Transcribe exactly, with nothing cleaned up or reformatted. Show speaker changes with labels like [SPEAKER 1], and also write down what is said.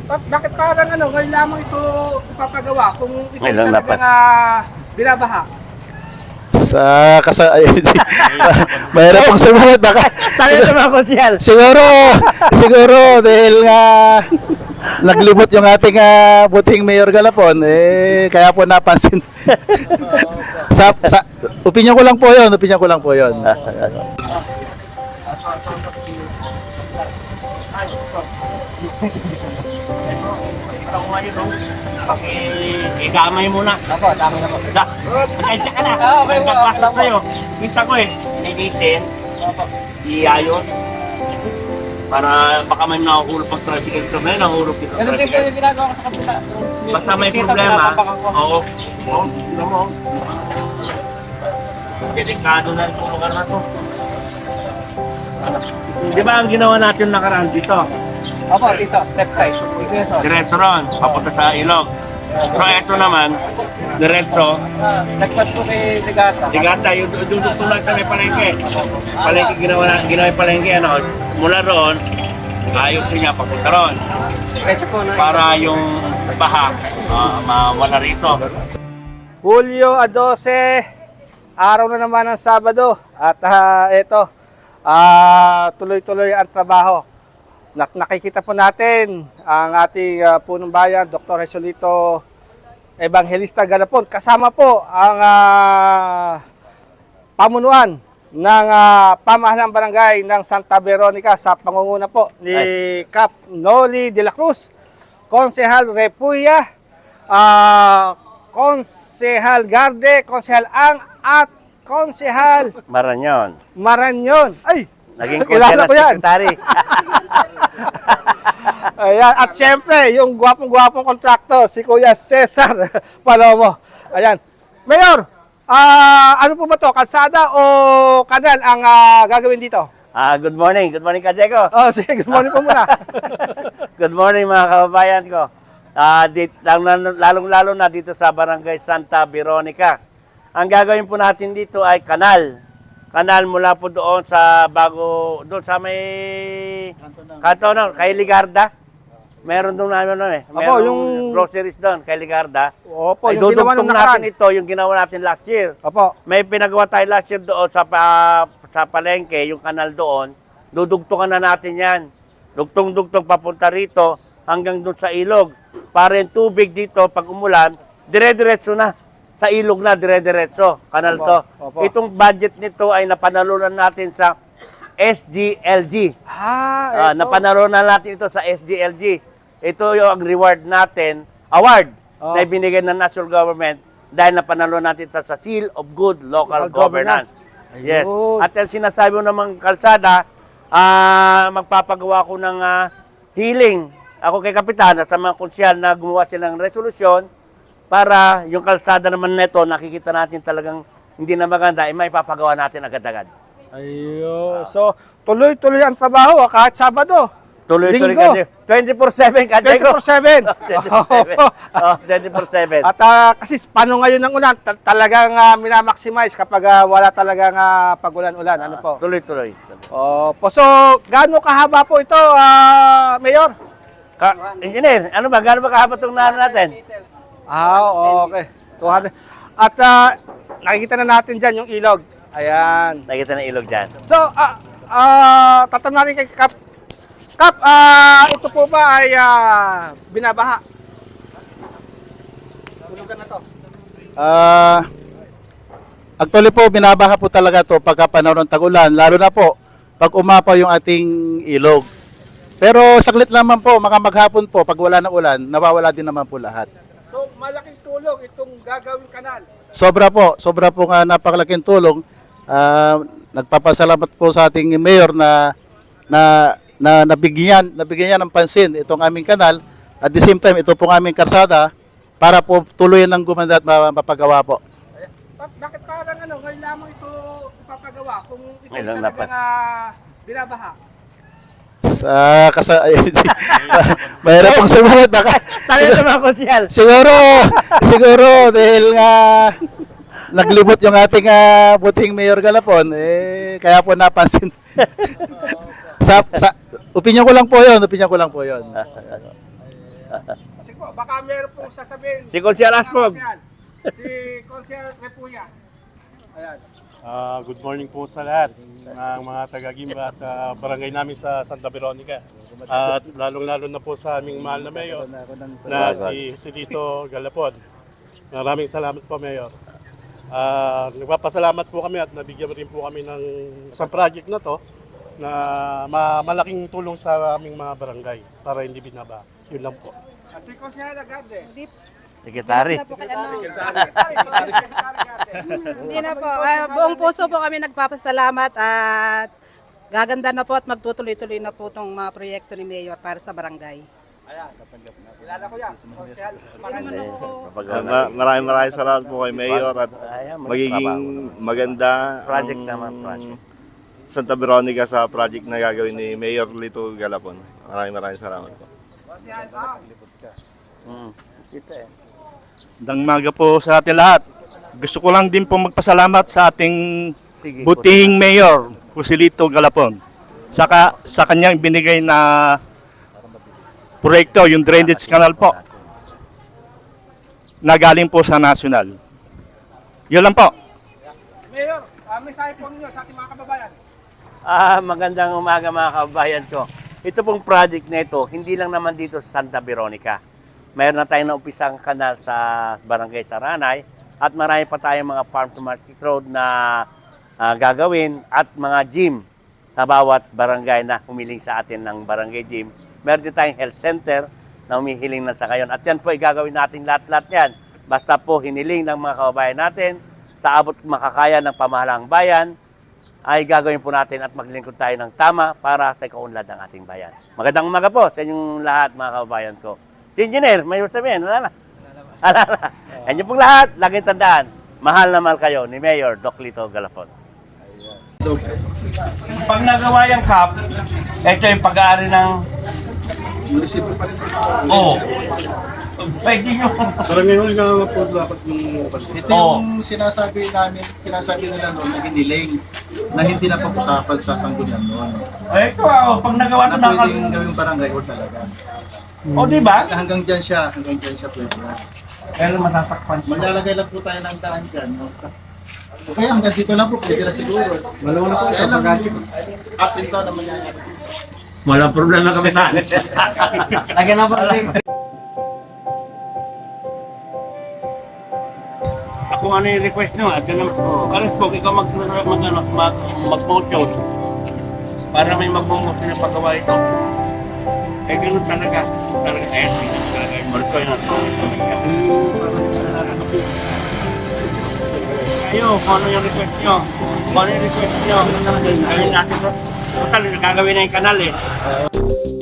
[SPEAKER 1] Bak bakit parang ano, ngayon lamang ito ipapagawa kung ito
[SPEAKER 2] Ngayon lang
[SPEAKER 1] talagang
[SPEAKER 2] dapat.
[SPEAKER 1] uh, binabaha?
[SPEAKER 3] Sa kasa ayun. Mayroon pang sumunod baka.
[SPEAKER 2] Tayo sa mga konsyal.
[SPEAKER 3] Siguro, siguro dahil nga naglimot yung ating uh, buting Mayor Galapon, eh kaya po napansin. sa, sa opinion ko lang po 'yon, opinion ko lang po 'yon.
[SPEAKER 2] Ikaw ngayon, no? Ikamay muna.
[SPEAKER 1] Ako, tama na po.
[SPEAKER 2] Da, pagkaitsa ka na.
[SPEAKER 1] Ah, okay, okay.
[SPEAKER 2] Nagkaklasot sa'yo. Kita ko eh. Linisin. Iayos. Para baka may nakukulog pag tricycle ito. May nakukulog dito.
[SPEAKER 1] Ganun din po yung ginagawa ko sa kapila.
[SPEAKER 2] Basta may
[SPEAKER 1] Kita,
[SPEAKER 2] problema.
[SPEAKER 1] pinapapakan ko.
[SPEAKER 2] Oo. Oo. Tignan mo. Delikado na itong lugar na to. Di ba ang ginawa natin nakaraan dito?
[SPEAKER 1] Opo, dito, left side. Dito yung side.
[SPEAKER 2] Diretso ron, papunta sa ilog. So ito naman, diretso,
[SPEAKER 1] Nagpas po kay Ligata.
[SPEAKER 2] Sigata, yung dudugtong lang kami palengke. Palengke, ginawa na, ginawa yung palengke, ano, mula roon, ayos niya papunta roon.
[SPEAKER 1] Diretso po na.
[SPEAKER 2] Para yung baha, uh, mawala rito.
[SPEAKER 1] Hulyo twelve, araw na naman ng Sabado. At uh, ito, uh, tuloy-tuloy ang trabaho. Nak nakikita po natin ang ating uh, punong bayan, Doctor Jesolito Evangelista Galapon. Kasama po ang uh, pamunuan ng uh, pamahalang barangay ng Santa Veronica sa pangunguna po ni Cap Noli de la Cruz, Konsehal Repuya, uh, Konsehal Garde, Konsehal Ang at Konsehal
[SPEAKER 2] Maranyon.
[SPEAKER 1] Maranyon. Ay!
[SPEAKER 2] Naging
[SPEAKER 1] Kilala
[SPEAKER 2] konsehal
[SPEAKER 1] ko yan.
[SPEAKER 2] sekretary.
[SPEAKER 1] Ayan. At syempre, yung gwapong-gwapong kontraktor, si Kuya Cesar Palomo. Ayan. Mayor, ah ano po ba to? Kalsada o kanal ang ah, gagawin dito?
[SPEAKER 2] Ah, good morning. Good morning, Kajeko.
[SPEAKER 1] Oh, sige, good morning po muna.
[SPEAKER 2] Good morning mga kababayan ko. Ah, dit, lalong-lalo na dito sa Barangay Santa Veronica. Ang gagawin po natin dito ay kanal. Kanal mula po doon sa bago, doon sa may kanto na, kay Ligarda. Meron doon namin ano eh. Meron
[SPEAKER 1] yung
[SPEAKER 2] groceries doon kay Ligarda.
[SPEAKER 1] Opo,
[SPEAKER 2] Ay
[SPEAKER 1] yung ginawa
[SPEAKER 2] dudugtong
[SPEAKER 1] nung
[SPEAKER 2] natin
[SPEAKER 1] nakaraan.
[SPEAKER 2] ito, yung ginawa natin last year.
[SPEAKER 1] Opo.
[SPEAKER 2] May pinagawa tayo last year doon sa, pa, sa palengke, yung kanal doon. Dudugtungan na natin yan. Dugtong-dugtong papunta rito hanggang doon sa ilog. Para yung tubig dito, pag umulan, dire-diretso na. Sa ilog na, dire-diretso. Kanal
[SPEAKER 1] Opo,
[SPEAKER 2] to.
[SPEAKER 1] opo.
[SPEAKER 2] Itong budget nito ay napanalunan natin sa S G L G.
[SPEAKER 1] Ah,
[SPEAKER 2] Ah,
[SPEAKER 1] eto.
[SPEAKER 2] napanalunan natin ito sa S G L G. Ito yung reward natin, award
[SPEAKER 1] Oh.
[SPEAKER 2] na ibinigay ng national government dahil napanalo natin sa, sa Seal of Good Local,
[SPEAKER 1] Local
[SPEAKER 2] Governance.
[SPEAKER 1] Governance.
[SPEAKER 2] Yes.
[SPEAKER 1] Ayun.
[SPEAKER 2] At yung sinasabi mo namang kalsada, ah, magpapagawa ko ng ah, healing. Ako kay Kapitan, sa mga konsyal na gumawa silang resolusyon para yung kalsada naman neto, nakikita natin talagang hindi na maganda, ay may papagawa natin agad-agad.
[SPEAKER 1] Ayun. So, tuloy-tuloy ang trabaho ah, kahit Sabado.
[SPEAKER 2] Tuloy-tuloy
[SPEAKER 1] Linggo.
[SPEAKER 2] kasi. twenty-four seven, Kajeko.
[SPEAKER 1] twenty-four seven.
[SPEAKER 2] twenty-four seven. Oh, twenty-four seven.
[SPEAKER 1] At ah, kasi paano ngayon ng ulan, ta- talagang uh, minamaximize kapag ah, wala talagang uh, pag-ulan-ulan. Ano po?
[SPEAKER 2] Tuloy-tuloy.
[SPEAKER 1] Opo. So, gaano kahaba po ito, ah, Mayor?
[SPEAKER 2] Ka Engineer, ano ba? Gaano ba kahaba itong naan natin?
[SPEAKER 1] Ah, okay. two hundred. At ah, nakikita na natin dyan yung ilog. Ayan.
[SPEAKER 2] Nakita ng ilog dyan.
[SPEAKER 1] So, ah, ah, tatanong natin kay Kap. Kap, ah, ito po ba ay ah, binabaha? Tulugan na to.
[SPEAKER 3] Ah, actually po binabaha po talaga to pagka panahon ng tag-ulan, lalo na po pag umapaw yung ating ilog. Pero saglit naman po, mga maghapon po pag wala ng ulan, nawawala din naman po lahat.
[SPEAKER 1] So, malaking tulong itong gagawing kanal.
[SPEAKER 3] Sobra po, sobra po nga napakalaking tulong. Ah, nagpapasalamat po sa ating mayor na na na nabigyan nabigyan niya ng pansin itong aming kanal. At the same time, ito pong aming karsada para po tuloy ng gumanda at ma- mapagawa po.
[SPEAKER 1] Ayan. Bak- bakit parang ano, ngayon lamang ito ipapagawa kung ito
[SPEAKER 2] Ngayon lang
[SPEAKER 1] talagang
[SPEAKER 2] dapat.
[SPEAKER 1] ah, binabaha?
[SPEAKER 3] Sa kasa ayun, mayroon pang sumunod baka.
[SPEAKER 2] Tayo sa mga konsyal.
[SPEAKER 3] Siguro, siguro dahil nga naglimot yung ating uh, buting Mayor Galapon, eh kaya po napansin. sa, sa opinion ko lang po 'yon, opinion ko lang po 'yon.
[SPEAKER 1] baka meron pong sasabihin.
[SPEAKER 2] Si Consiel Aspog.
[SPEAKER 1] Si Consiel Repuya. Ayan.
[SPEAKER 4] Ah, good morning po sa lahat ng mga taga-Gimba at ah, barangay namin sa Santa Veronica. At lalong-lalo na po sa aming mahal na mayor na si Joselito Galapon. Maraming salamat po, Mayor. Ah, nagpapasalamat po kami at nabigyan rin po kami ng isang project na to na ma- malaking tulong sa aming mga barangay para hindi binaba. Yun lang po.
[SPEAKER 1] Ah, Si Consiel Agarde.
[SPEAKER 2] Sekretary.
[SPEAKER 5] Na po kay ano.
[SPEAKER 1] Secretary Agarde.
[SPEAKER 5] Hindi na po. Ah, buong puso po kami nagpapasalamat at gaganda na po at magtutuloy-tuloy na po itong mga proyekto ni Mayor para sa barangay.
[SPEAKER 1] Ayan. Kilala ko yan. Consiel.
[SPEAKER 6] Ma- maraming maraming salamat po kay Mayor at
[SPEAKER 2] Ayan,
[SPEAKER 6] magiging maganda
[SPEAKER 2] Project
[SPEAKER 6] ang
[SPEAKER 2] naman, project.
[SPEAKER 6] Santa Veronica sa project na gagawin ni Mayor Lito Galapon. Maraming maraming salamat po.
[SPEAKER 1] Consiel. Ah.
[SPEAKER 2] Mm. Kita eh.
[SPEAKER 7] Magandang umaga po sa ating lahat. Gusto ko lang din po magpasalamat sa ating
[SPEAKER 2] Sige,
[SPEAKER 7] butihing mayor, Joselito Galapon. Saka sa kanyang binigay na proyekto, yung drainage canal po, na galing po sa national. Yun lang po.
[SPEAKER 1] Mayor, uh, mensahe po ninyo sa ating mga kababayan.
[SPEAKER 2] Ah, magandang umaga mga kababayan ko. Ito pong project na ito, hindi lang naman dito sa Santa Veronica. Mayroon na tayong naumpisang kanal sa Barangay Saranay at marami pa tayong mga farm to market road na ah, gagawin at mga gym sa bawat barangay na humiling sa atin ng barangay gym. Meron din tayong health center na humihiling na sa ngayon. At yan po ay gagawin natin lahat-lahat yan. Basta po hiniling ng mga kababayan natin sa abot makakaya ng pamahalang bayan, ay gagawin po natin at maglingkod tayo ng tama para sa ikaunlad ng ating bayan. Magandang umaga po sa inyong lahat mga kababayan ko. Si Engineer, may sabihin, wala na. Wala na. Yan yung pong lahat, laging tandaan, mahal na mahal kayo ni Mayor Doc Lito Galapon. Pag nagawa yung cup, ito yung pag-aari ng Oo. Pwede nyo.
[SPEAKER 4] Parang ngayon nga po dapat yung
[SPEAKER 3] Ito
[SPEAKER 2] Oo.
[SPEAKER 3] yung sinasabi namin, sinasabi nila noon na hiniling na hindi na pag-usapan sa sanggunan noon.
[SPEAKER 2] Ay, ito ah, pag nagawa
[SPEAKER 3] Na
[SPEAKER 2] ito na
[SPEAKER 3] pwedeng gawing barangay hall talaga.
[SPEAKER 2] O, di ba?
[SPEAKER 3] Hanggang dyan siya, hanggang dyan siya pwede.
[SPEAKER 2] Pero matatakpan siya.
[SPEAKER 3] Maglalagay lang po tayo ng daan dyan. No? Sa, o kaya hanggang dito lang po, pwede na siguro. Malawa na po sa bagay. Atin to naman yan.
[SPEAKER 2] Walang problema kami na. Lagyan na pa rin. Ako ano yung request nyo, at yan ang, alas po, ikaw mag, mag, mag, mag, mag-motion para may mag-motion yung paggawa ito. Eh, ganun talaga. Talaga, eh, talaga yung marko yun. Kayo, kung ano yung request nyo, kung ano yung request nyo, gawin natin ito. Total, gagawin na yung kanal eh.